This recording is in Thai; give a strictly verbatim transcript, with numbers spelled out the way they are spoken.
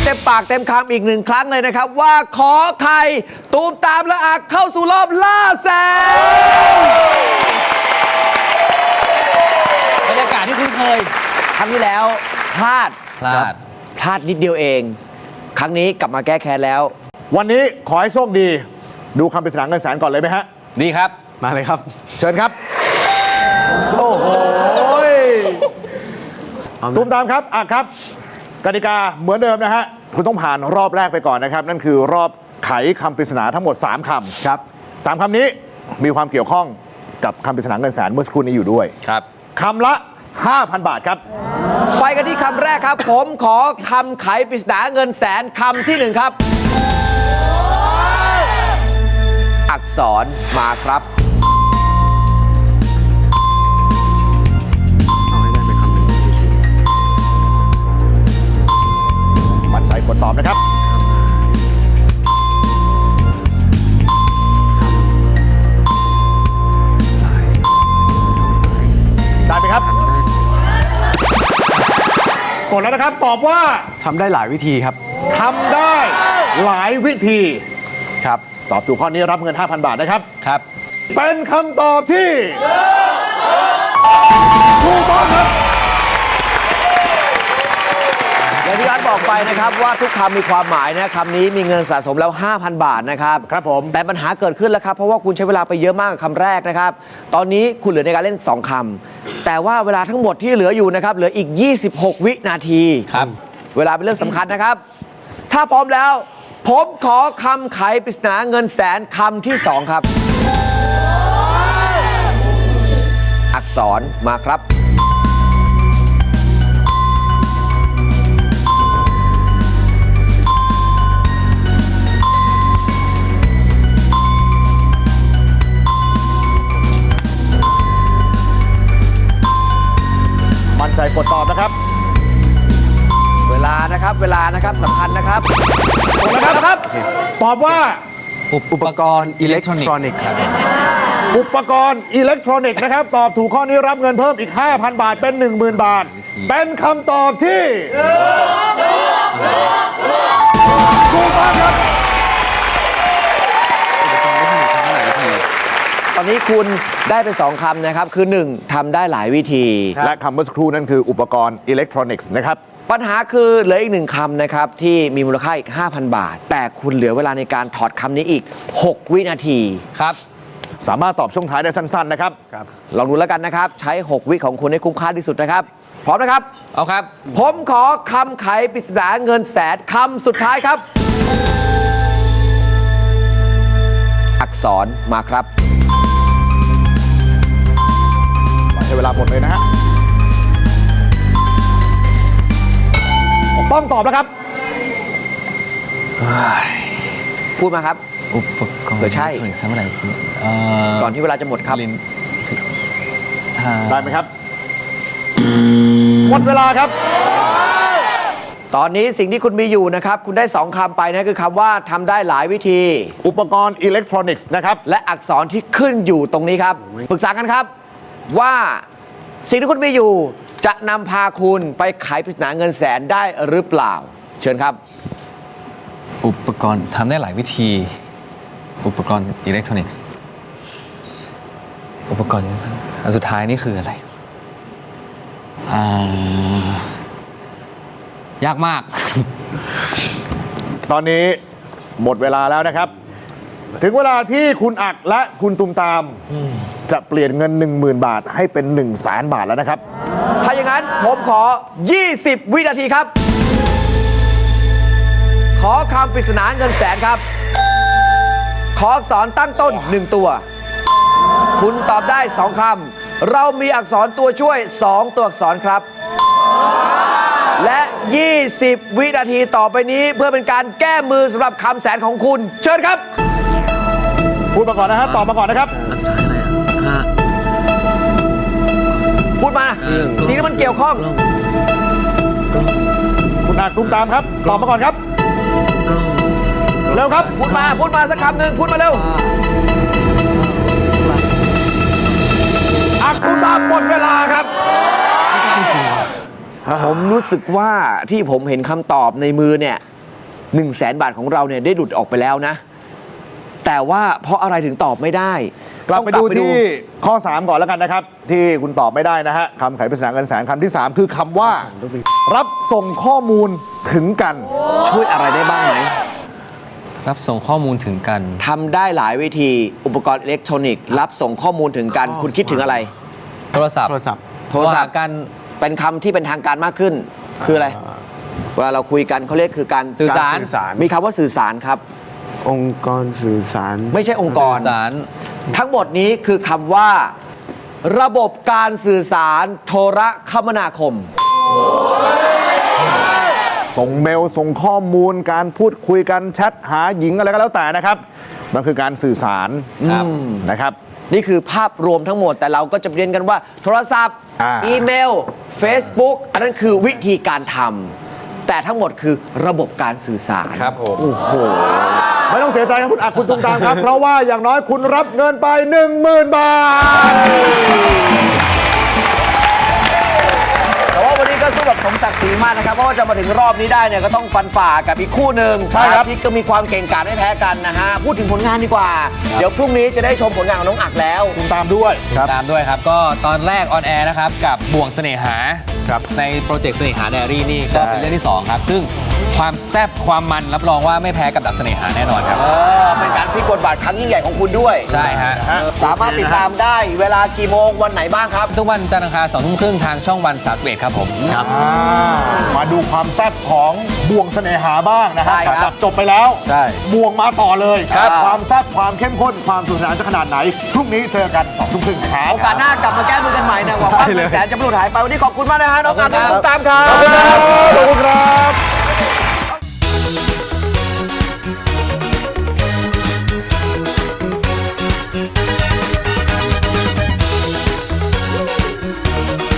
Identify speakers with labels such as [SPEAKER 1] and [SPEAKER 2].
[SPEAKER 1] เต็มปากเต็มคำอีกหนึ่งครั้งเลยนะครับว่าขอไข่ตูมตามและอักเข้าสู่รอบล่าแสน
[SPEAKER 2] บรรยากาศที่คุ้นเคย
[SPEAKER 1] ครั้งที่แล้วพลาด
[SPEAKER 2] พลาด
[SPEAKER 1] พลาดนิดเดียวเองครั้งนี้กลับมาแก้แค้นแล้ว
[SPEAKER 3] วันนี้ขอให้โชคดีดูคำปริศนาเงินแสนก่อนเลยไหมฮะ
[SPEAKER 2] ดีครับ
[SPEAKER 3] มาเลยครับเชิญครับ
[SPEAKER 1] โอ้โห
[SPEAKER 3] ตูมตามครับอ่ะครับกติกาเหมือนเดิมนะฮะคุณต้องผ่านรอบแรกไปก่อนนะครับนั่นคือรอบไขคำปริศนาทั้งหมดสามคำ
[SPEAKER 1] ครับ
[SPEAKER 3] สามคำนี้มีความเกี่ยวข้องกับคำปริศนาเงินแสนเมื่อสักครู่นี้อยู่ด้วย
[SPEAKER 2] ครับ
[SPEAKER 3] คำละ ห้าพัน บาทครับ
[SPEAKER 1] ไปกันที่คำแรกครับผมขอคำไขปริศนาเงินแสนคำที่หนึ่งครับอักษรมาครับ
[SPEAKER 4] เอาให้ได้ไปคำหนึ่งชัวร์
[SPEAKER 3] มั่นใจกดตอบนะครับได้ไหมครับกดแล้วนะครับตอบว่า
[SPEAKER 4] ทำได้หลายวิธีครับ
[SPEAKER 3] ทำได้หลายวิธี
[SPEAKER 4] ครับ
[SPEAKER 3] ตอบถูกข้อนี้รับเงิน ห้าพัน บาทนะครับ
[SPEAKER 2] ครับ
[SPEAKER 3] เป็นคำตอบที่ถูกต้องครับ
[SPEAKER 1] อย่างที่อาร์ตบอกไปนะครับว่าทุกคำมีความหมายนะคำนี้มีเงินสะสมแล้ว ห้าพัน บาทนะครับ
[SPEAKER 3] ครับผม
[SPEAKER 1] แต่ปัญหาเกิดขึ้นแล้วครับเพราะว่าคุณใช้เวลาไปเยอะมากกับคำแรกนะครับตอนนี้คุณเหลือในการเล่นสองคำแต่ว่าเวลาทั้งหมดที่เหลืออยู่นะครับเหลืออีกยี่สิบหกวินาที
[SPEAKER 2] ครับ
[SPEAKER 1] เวลาเป็นเรื่องสำคัญนะครับถ้าพร้อมแล้วผมขอคำไขปริศนาเงินแสนคำที่สองครับอักษรมาครับ
[SPEAKER 3] มั่นใจกดตอบนะครับ
[SPEAKER 1] เวลานะครับเวลานะครับสำคัญนะครับ
[SPEAKER 3] กดแล้วครับตอบว่า
[SPEAKER 2] อุปกรณ์อิเล็กทรอนิกส์ครับ
[SPEAKER 3] อุปกรณ์อิเล็กทรอนิกส์นะครับตอบถูกข้อนี้รับเงินเพิ่มอีก ห้าพัน บาทเป็น หนึ่งหมื่น บาทเป็นคำตอบที่ถูกต้องครับ
[SPEAKER 1] ตอนนี้คุณได้ไปสองคำนะครับคือหนึ่งทำได้หลายวิธี
[SPEAKER 3] และคำเมื่อสักครู่นั่นคืออุปกรณ์อิเล็กทรอนิกส์นะครับ
[SPEAKER 1] ปัญหาคือเหลืออีกหนึ่งคำนะครับที่มีมูลค่าอีก ห้าพัน บาทแต่คุณเหลือเวลาในการถอดคำนี้อีกหกวินาที
[SPEAKER 2] ครับ
[SPEAKER 3] สามารถตอบช่วงท้ายได้สั้นๆนะครับ
[SPEAKER 1] ครับลองดูแล้วกันนะครับใช้หกวิของคุณให้คุ้มค่าที่สุดนะครับพร้อมนะครับ
[SPEAKER 2] เอาครับ
[SPEAKER 1] ผมขอคำไขปริศนาเงินแสนคำสุดท้ายครับอักษรมาครับ
[SPEAKER 3] ใช้เวลาหมดเลยนะฮะต้องตอบแล้วครับ
[SPEAKER 1] พูดมาครับ
[SPEAKER 2] อุปกรณ์
[SPEAKER 1] เผื่อใช่
[SPEAKER 2] สมัยไหน
[SPEAKER 1] ก่อนที่เวลาจะหมดครับ
[SPEAKER 3] ได้ไหมครับหมดเวลาครับ
[SPEAKER 1] ตอนนี้สิ่งที่คุณมีอยู่นะครับคุณได้สองคำไปนะคือคำว่าทำได้หลายวิธี
[SPEAKER 3] อุปกรณ์อิเล็กทรอนิกส์นะครับ
[SPEAKER 1] และอักษรที่ขึ้นอยู่ตรงนี้ครับปรึกษากันครับว่าสิ่งที่คุณมีอยู่จะนำพาคุณไปไขปริศนาเงินแสนได้หรือเปล่าเชิญครับ
[SPEAKER 2] อุปกรณ์ทำได้หลายวิธีอุปกรณ์อิเล็กทรอนิกส์อุปกรณ์อันสุดท้ายนี่คืออะไรอ่ายากมาก
[SPEAKER 3] ตอนนี้หมดเวลาแล้วนะครับถึงเวลาที่คุณอักและคุณตุมตามจะเปลี่ยนเงิน หนึ่งหมื่น บาทให้เป็น หนึ่งแสน บาทแล้วนะครับ
[SPEAKER 1] ถ้าอย่างนั้นผมขอยี่สิบวินาทีครับขอคำปริศนาเงินแสนครับขออักษรตั้งต้นหนึ่งตัวคุณตอบได้สองคำเรามีอักษรตัวช่วยสองตัวอักษรครับและยี่สิบวินาทีต่อไปนี้เพื่อเป็นการแก้มือสำหรับคำแสนของคุณเชิญครับ
[SPEAKER 3] พูดมาก่อนนะฮะตอบมาก่อนนะครับ
[SPEAKER 1] พูดมาสิ่งที่มันเกี่ยวข้อง
[SPEAKER 3] คุณอักตุมตามครับตอบมาก่อนครับเร็วครับ
[SPEAKER 1] พูดมาพูดมาสักคำหนึ่งพูดมาเร็ว
[SPEAKER 3] อักตุมตามหมดเวลาครับ
[SPEAKER 1] ผมรู้สึกว่าที่ผมเห็นคำตอบในมือเนี่ยหนึ่งแสนบาทของเราเนี่ยได้หลุดออกไปแล้วนะ แต่ว่าเพราะอะไรถึงตอบไม่ได้
[SPEAKER 3] กลับ
[SPEAKER 1] ต้อง
[SPEAKER 3] ไปดูที่ข้อ สาม ก่อนแล้วกันนะครับ ที่คุณตอบไม่ได้นะฮะคำไขปริศนาเงินแสนคำที่ สาม คือคำว่า รับส่งข้อมูลถึงกัน
[SPEAKER 1] ช่วยอะไรได้บ้างไหม
[SPEAKER 2] รับส่งข้อมูลถึงกัน
[SPEAKER 1] ทำได้หลายวิธีอุปกรณ์อิเล็กทรอนิกส์รับส่งข้อมูลถึงกัน คุณคิดถึงอะไร
[SPEAKER 2] โทรศัพท์
[SPEAKER 4] โทรศัพท์
[SPEAKER 1] โทรศัพท์
[SPEAKER 2] ว่ากัน
[SPEAKER 1] เป็นคำที่เป็นทางการมากขึ้น คืออะไรเวลาเราคุยกันเขาเรียกคือการ
[SPEAKER 2] สื่อสาร
[SPEAKER 1] กมีคำว่าสื่อสารครับ
[SPEAKER 4] องค์กรสื่อสาร
[SPEAKER 1] ไม่ใช่องค์กร
[SPEAKER 2] สื่อสาร
[SPEAKER 1] ทั้งหมดนี้คือคำว่า ระบบการสื่อสารโทรคมนาคม
[SPEAKER 3] ส่งเมลส่งข้อมูลการพูดคุยกันแชทหาหญิงอะไรก็แล้วแต่นะครับ มันคือการสื่อสาร
[SPEAKER 2] ครับ
[SPEAKER 3] นะครับ
[SPEAKER 1] นี่คือภาพรวมทั้งหมดแต่เราก็จะเรียนกันว่า โทรศัพท์
[SPEAKER 3] อ่า
[SPEAKER 1] อีเมล Facebook อันนั้นคือวิธีการทำแต่ทั้งหมดคือระบบการสื่อสาร
[SPEAKER 2] ครับผม
[SPEAKER 3] โอ้โห ไม่ต้องเสียใจครับคุณอักคุณตุงตามครับ เพราะว่าอย่างน้อยคุณรับเงินไป หนึ่งหมื่น บาท
[SPEAKER 1] แต่ว่าวันนี้ก็สู้แบบสมศักดิ์ศรีมากนะครับเพราะว่าจะมาถึงรอบนี้ได้เนี่ยก็ต้องฟันฝ่ากับอีกคู่หนึ่ง
[SPEAKER 3] ใช่ครับ
[SPEAKER 1] ที่ก็มีความเก่งกาจไม่แพ้กันนะฮะพูดถึงผลงานดีกว่า เดี๋ยวพรุ่งนี้จะได้ชมผลงานของน้องอักแล้ว
[SPEAKER 3] คุณตามด้วย
[SPEAKER 2] ตามด้วยครับ ก็ตอนแรกออนแอร์นะครับ กับบ่วงเสน่หา
[SPEAKER 3] ครับ
[SPEAKER 2] ในโปรเจกต์เสน่หาไดอารี่นี่
[SPEAKER 3] ใช่
[SPEAKER 2] ก็เป็นเรื่องที่ 2 ครับ ซึ่งความแซ่บความมันรับรองว่าไม่แพ้กับดับเสน่หาแน่นอนครับ
[SPEAKER 1] เออเป็นการพลิกบทบาทครั้งยิ่งใหญ่ของคุณด้วย
[SPEAKER 2] ใช่ฮะ
[SPEAKER 1] สามารถติดตามได้เวลากี่โมงวันไหนบ้างครับ
[SPEAKER 2] ทุกวันจันทร์อังคารสองทุ่มครึ่งทางช่องวันสามสิบเอ็ดครับผม
[SPEAKER 3] อ่ามาดูความแซ่บของบ่วงเสน่หาบ้างนะค
[SPEAKER 1] ใช่
[SPEAKER 3] รับ
[SPEAKER 1] ครับ
[SPEAKER 3] จบไปแล้ว
[SPEAKER 4] ใช่
[SPEAKER 3] บ่วงมาต่อเลย
[SPEAKER 1] ครับ
[SPEAKER 3] ความแซ่บความเข้มข้นความสนุกสนานจะขนาดไหน พรุ่งนี้เจอกันสองทุ่มครึ่งครับ
[SPEAKER 1] โอกาสหน้ากลับมาแก้มือกันใหม่นะหวังว่า
[SPEAKER 4] ได้เลย
[SPEAKER 1] เงินแสนจะไม่หลุดหายไปวันนี้ขอบคุณมากนะฮะน้องอัก
[SPEAKER 3] ขอบคุณครับ
[SPEAKER 1] น้องตามครับ
[SPEAKER 3] ขอบคุณครับ